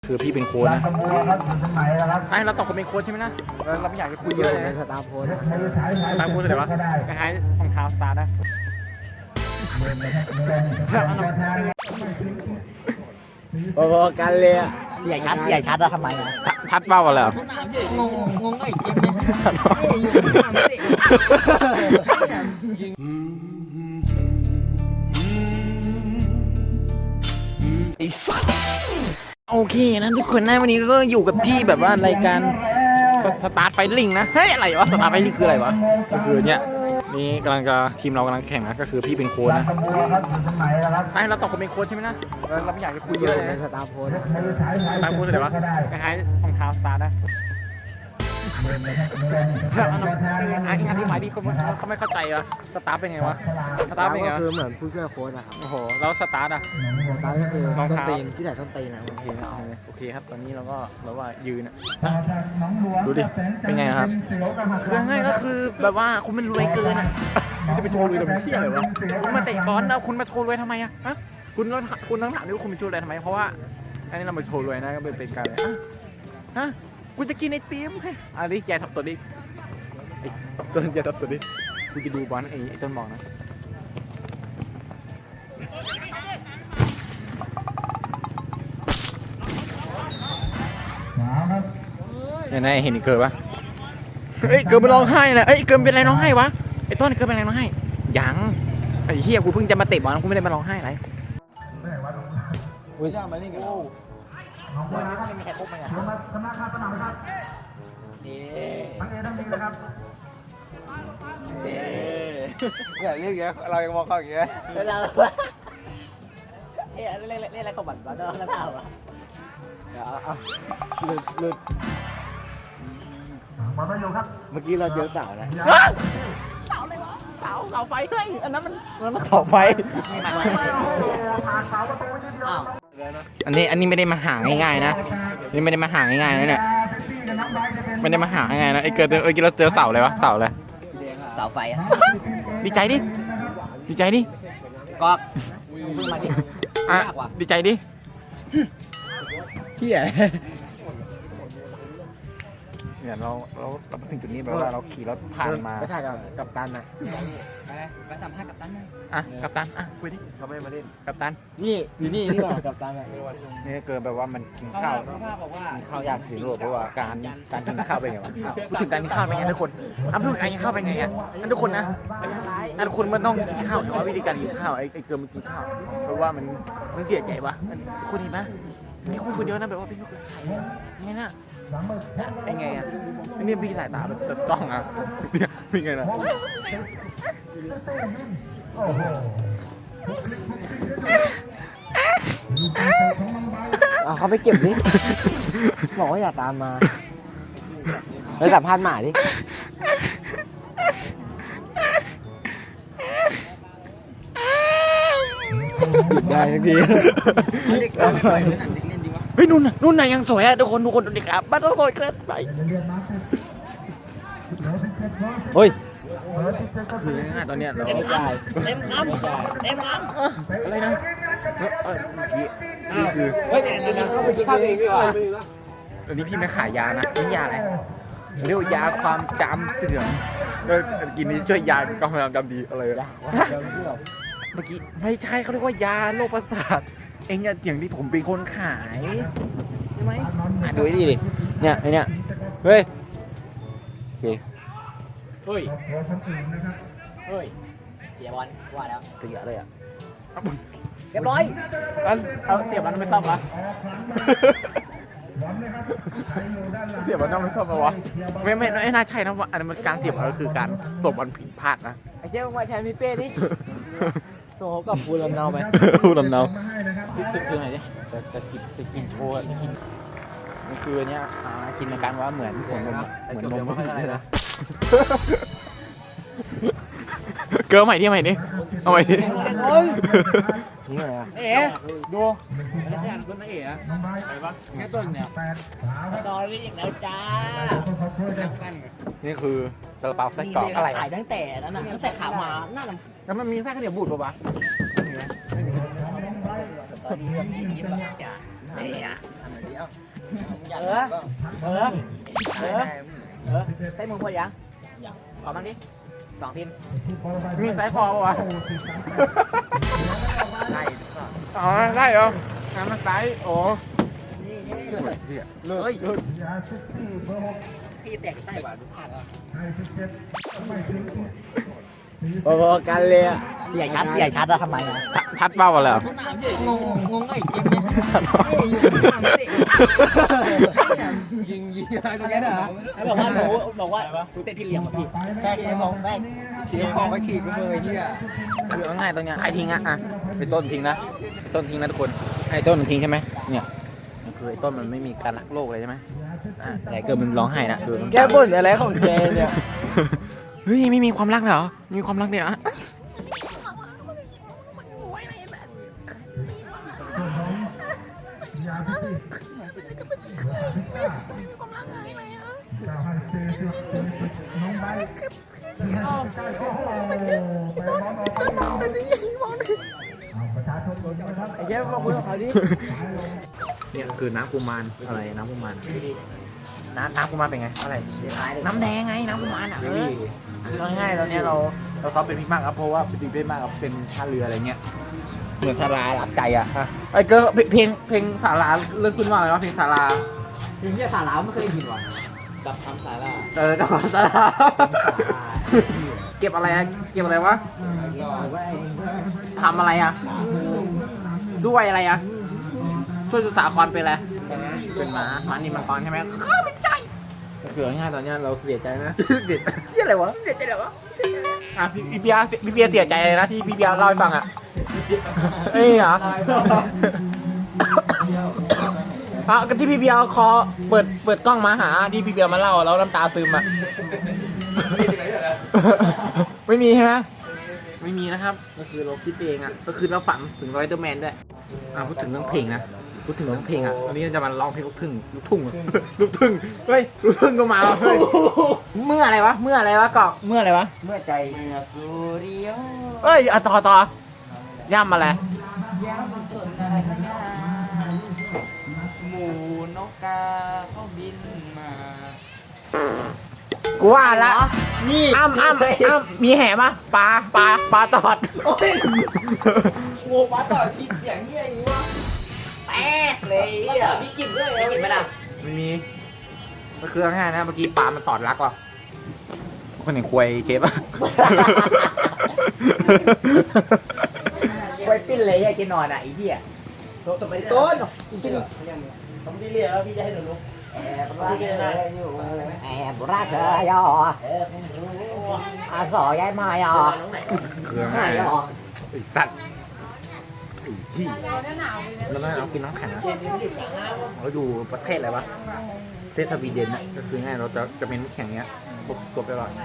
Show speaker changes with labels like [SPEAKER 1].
[SPEAKER 1] คือพี่เป็นโค้ชนะใช่เราสองคนเป็นโค้ชใช่ไหมนะเราไม่อยากจะคุยเยอะเลยนะ
[SPEAKER 2] สตาร์โค้ช
[SPEAKER 1] สตาร์โค้ชเลยวะคล้ายๆรองเท้าสตาร์นะ
[SPEAKER 2] พอๆกันเลยอ่ะใหญ่ชัดอะทำไมอ่ะ
[SPEAKER 1] ทัดเบ้ากันเลย
[SPEAKER 3] งงไอ้เกมเนี่ย
[SPEAKER 1] ไอ้สัสโอเคนะทุกคนนะวันนี้ก็อยู่กับที่แบบว่ารายการสตาร์ทไฟลิงนะเฮ้ยอะไรวะสตาร์ทไฟลิงคืออะไรวะก็คือเนี่ยนี่กำลังจะทีมเรากำลังแข่งนะก็คือพี่เป็นโค้ชนะใช่เราสองคนเป็นโค้ชใช่ไหมนะเราไม่อยากจะคุยเยอะเลยนะ
[SPEAKER 2] สตาร์โค้ช
[SPEAKER 1] สตาร์โค้ชเลยวะคล้ายๆรองเท้าสตาร์นะอธิบายดิเขาไม่เข้าใจวะสตาร์เป็นไงวะสตาร์เป็นไง
[SPEAKER 2] ก็คือเหมือนผู้ช่วยโค้ชอะครับ
[SPEAKER 1] โอ้โหแล้วสตาร์อะ
[SPEAKER 2] สตาร์ก็คือ
[SPEAKER 1] รอง
[SPEAKER 2] ส้น
[SPEAKER 1] เท้า
[SPEAKER 2] ตีนที่ใส่ส้นตีนนะ
[SPEAKER 1] โอเคครับโอเคครับตอนนี้เราก็ยืนอ่ะดูดิเป็นไงครับคือง่ายก็คือแบบว่าคุณมันรวยเกินอ่ะจะไปโชว์รวยทำไมเที่ยอะไรวะคุณมาเตะบอลแล้วคุณมาโชว์รวยทำไมอ่ะฮะคุณต้องถามด้วยว่าคุณมาโชว์รวยทำไมเพราะว่าอันนี้เรามาโชว์รวยนะก็เป็นการเลยฮะกูจะกินไอติมอันนี้แกทับตัวดิต้นแกทับตัวดิกูจะดูบอลไอ้ต้นบอกนะเนี่ยเห็นเกิดปะเอ้ยเกิดมันร้องไห้นะเอ้ยเกิดเป็นอะไรร้องไห้วะไอ้ต้นเกิดเป็นอะไรร้องไห้ยังไอ้เหี้ยกูเพิ่งจะมาเตะบอลกูไม่ได้มาร้องไห้อะไรอุ้ยจ้ามานี่กันโอ้ไม่มีใครคบไหมอ่ะ
[SPEAKER 2] อย่าเรียกอย่างเงี้ยเรายังมองเขาอย่างเงี้ย
[SPEAKER 3] แล้วเราเอ๊ะเล่นอะไรของบัตรบ้าแล้วเปล่าอ่ะ
[SPEAKER 2] หลุดเมื่อกี้เราเจอเสานะ
[SPEAKER 1] เสาเลยวะเสาไฟเฮ้ยอันนั้นมันเสาไฟอันนี้ไม่ได้มาหาง่ายๆนะนี่ไม่ได้มาหาง่ายๆนะเนี่ยไม่ได้มาหาง่ายๆนะไอ้เกิดเราเจอเสาเลยวะเสาเลย
[SPEAKER 3] เสาไฟอ่ะ
[SPEAKER 1] ดีใจดิ
[SPEAKER 3] กอกมึงมาดิ
[SPEAKER 1] อ่ะดีใจดิ
[SPEAKER 2] เที่ย
[SPEAKER 1] เนี่ยเรามาถึงจุดนี้แบบว่าเราขี่รถผ่านมา
[SPEAKER 2] ไม่ใช่กับตันนะ
[SPEAKER 3] ไปสัมภาษณ์กับตั้นหน่อย
[SPEAKER 1] อ่ะกัปตันอ่ะคุยดิ
[SPEAKER 2] เขาไม่มาเล่น
[SPEAKER 1] กัปตัน
[SPEAKER 2] นี่อยู่นี่นี่หว่ากับตันอ่ะ
[SPEAKER 1] นี่เกินแบบว่ามันกินข้าว
[SPEAKER 3] พ่อบอกว่า
[SPEAKER 1] ข้าวยากถึงโลกเพราะว่าการกินข้าวเป็นไงวะพูดถึงการกินข้าวเป็นไงทุกคนพูดถึงการกินข้าวเป็นไงอ่ะทุกคนนะทุกคนมันต้องกินข้าวแต่ว่าวิธีการกินข้าวไอ้เกินมันกินข้าวเพราะว่ามันเสียใจวะคนเห็นไหมมีคนเดียวนะแบบว่าเป็นลูกหลานใครไงน่ะไอ้ไงอ่ะนี่พี่สายตาแบบต้องอ่ะเนี่ยเป็นไงนะ
[SPEAKER 2] เอาเขาไปเก็บดิบอกว่าอย่าตามมาไปสัมภาษณ์หมาดิได้ทันที
[SPEAKER 3] เด็กไม่ปล่อยเป็นหนังเด็กเล่นดีวะ
[SPEAKER 1] เฮ้ยนุ่นน่ะยังสวยอ่ะทุกคนดูดิครับบ้านเราสวยเกินไป
[SPEAKER 2] เฮ้ย
[SPEAKER 1] คือง่ายๆตอนเนี้ยเรา
[SPEAKER 3] เต็มคำเต็มคำ
[SPEAKER 1] อะไรนะเมื่อกี้นี่คือ
[SPEAKER 2] เฮ้ยแต่เข้าไปกินข้าวเองดีกว่า
[SPEAKER 1] ตอนนี้พี่ไม่ขายยานะนี่ยาอะไรเรียกว่ายาความจำเสื่อมแล้วกินนี้ช่วยยาความจำดีอะไรอะเมื่อกี้ไม่ใช่เขาเรียกว่ายาโรคประสาทเองอย่าเถียงที่ผมเป็นคนขายใช่ไหมดูนี่ดิเนี่ยไอเนี่ยเฮ้ยโอเค
[SPEAKER 2] เฮ้ย
[SPEAKER 3] เสียบอลว่าแล้ว
[SPEAKER 1] เสียเลยอ่ะ
[SPEAKER 3] เรียบร้อย
[SPEAKER 1] แล้วเอาเสียบมันไม่ซ่อมวะเสียบมันต้องไม่ซ่อมวะไม่น่าใช่นะว่าอันนั้นมันการเสียบมันก็คือการสวมบอลผิดพลาดนะ
[SPEAKER 2] ไอ้เจ้ามาแทนพี่เป้ดิโซ่กับปูลำเนาไหม
[SPEAKER 1] พูดลำเนาคือไหนดิจะกินโชว์กินมันคือเนี้ยกินในการว่าเหมือนนมเลยนะเกิร์ใหม่ดิเอาใหม่ดิ
[SPEAKER 2] นี่ไงอ่ะ
[SPEAKER 1] เอ๋ดูอะไรสักอย่างคนนะเอ๋อะอะไรวะแค่ต้นเนี่ย
[SPEAKER 3] ตอรี่อีกแล้วจ้า
[SPEAKER 1] นี่คือซาลาเปาไส้กรอกอะไร
[SPEAKER 3] ขายตั้งแต่นั้นนะตั้งแต่ขามาหน้าลำ
[SPEAKER 1] แล้วมันมีไส้ข้าวเหนียวบูดป่ะวะ
[SPEAKER 3] ตอนนี้แบบนี้แบบจ้าเนี่ยเออใส่มือพอยังขอบ้างดิ2ทีม
[SPEAKER 1] มีสายคอปะวะ
[SPEAKER 3] ได้
[SPEAKER 1] อ๋อได้เหรอน้ำมันสายโอ้
[SPEAKER 3] เฮ้ยพี่แตกใต้หวานผ่านแล้ว
[SPEAKER 2] พอๆกันเลยอ่ะ
[SPEAKER 3] ใหญ่ชัดใหญ่ชัดแล้วทำไมอ่ะ
[SPEAKER 1] ชัดเป้ากันเลยเหรอ
[SPEAKER 3] งงไอ้เกมเนี่ยยิงอะไรตรงนี้เหรอบอกว่าดูเตะพี่เลี้ยงพี่แม่มองแม่ทีมองก็ขีดไปเลยที่อ่ะ
[SPEAKER 1] คือเอาง่ายตรงเนี้ยใครทิ้งอ่ะไปต้นทิ้งนะต้นทิ้งนะทุกคนไอ้ต้นมันทิ้งใช่ไหมเนี่ยคือไอ้ต้นมันไม่มีการรักโลกเลยใช่ไหมแต่เกิดมันร้องไห้นะคือ
[SPEAKER 2] แกบ่นอะไรของแกเนี่ย
[SPEAKER 1] เฮ้ยไม่มีความรักเหรอมีความรักเนี่ยอะ
[SPEAKER 2] ไอ้แกมาคุยกับเขาดิ
[SPEAKER 1] เนี่ยคือน้ำกุมารอะไรน้ำกุมารน้ำกุมารเป็นไงอะไรน้ำแดงไงน้ำกุมารอ่ะคือง่ายๆตอนนี้เราซ้อมเป็นพิกมากครับเพราะว่าเป็นพิกมากครับเป็นท่าเรืออะไรเงี้ยเหมือนสาราหลักใจอ่ะไอ้เกิร์เพลงสาราเรื่องขึ้นว่าอะไรวะเพลงสารา
[SPEAKER 3] ทีมที่สาราไม่เคยยินว่ะกับทำสารา
[SPEAKER 1] จังหวัดสาราเก็บอะไรอะเก็บอะไรวะทำอะไรอะช่วยอะไรอะช่วยสุสาครเป็นอะไรเป็นหมานี่มังกรใช่ไหมข้าเป็นใจก็คือง่ายๆตอนนี้เราเสียใจนะเสียอะไรวะเสียใจอะไรวะอ่ะพี่เบียร์เสียใจเลยนะที่พี่เบียร์เล่าให้ฟังอ่ะเอ้ยเหรอก็ที่พี่เบียร์คอเปิดกล้องมาหาที่พี่เบียร์มาเล่าแล้วน้ำตาซึมอ่ะไม่มีใช่ไหมไม่มีนะครับก็คือเราคิดเองอ่ะก็คือเราฝันถึงไรเดอร์แมนด้วยพูดถึงเรื่องเพลงนะพูดถึงเรื่องเพลงอ่ะวันนี้จะมาร้องเพลงลูกทุ่งเฮ้ยลูกทุ่งก็มาเฮ้ยเมื่ออะไรวะเกาะเมื่ออะไรวะ
[SPEAKER 3] เมื่อใจสุริย
[SPEAKER 1] เอ้ยต่อย่ำอะไร
[SPEAKER 3] ย้ำสนอะไรขนาหมูนกกาเขาบินมา
[SPEAKER 1] กูว่าละ
[SPEAKER 3] นี่
[SPEAKER 1] อ้ำมีแห่ปะปลาตอด
[SPEAKER 3] โอ้ยงูปลาต่อคิดอย่างนี้อย่างนี้วะแตกเลยอ่ะพี่กินด้วยพี่กินไหมล่ะ
[SPEAKER 1] ไม่มีมันคือง่ายนะเมื่อกี้ปลามันตอดรักว่ะคนเห็นควยเชฟอะ
[SPEAKER 3] ไว้ปิ้นเลยไอ้กินนอนอ่ะไอ้เหี้ยต้นกินผมพี่เรียกแล้วพี่จะให้หนูลุกแอบรักเธออยู่แอบรักเธอย่อสอยายมาย่อ
[SPEAKER 1] คือง่ายนะไอ้สัตว์ไอ้ที่แล้วเรากินน้ำแข็งนะเราอยู่ประเทศอะไรวะประเทศสวีเดนนะก็คือง่ายเราจะเป็นน้ำแข็งเนี้ยตัวไปก่อน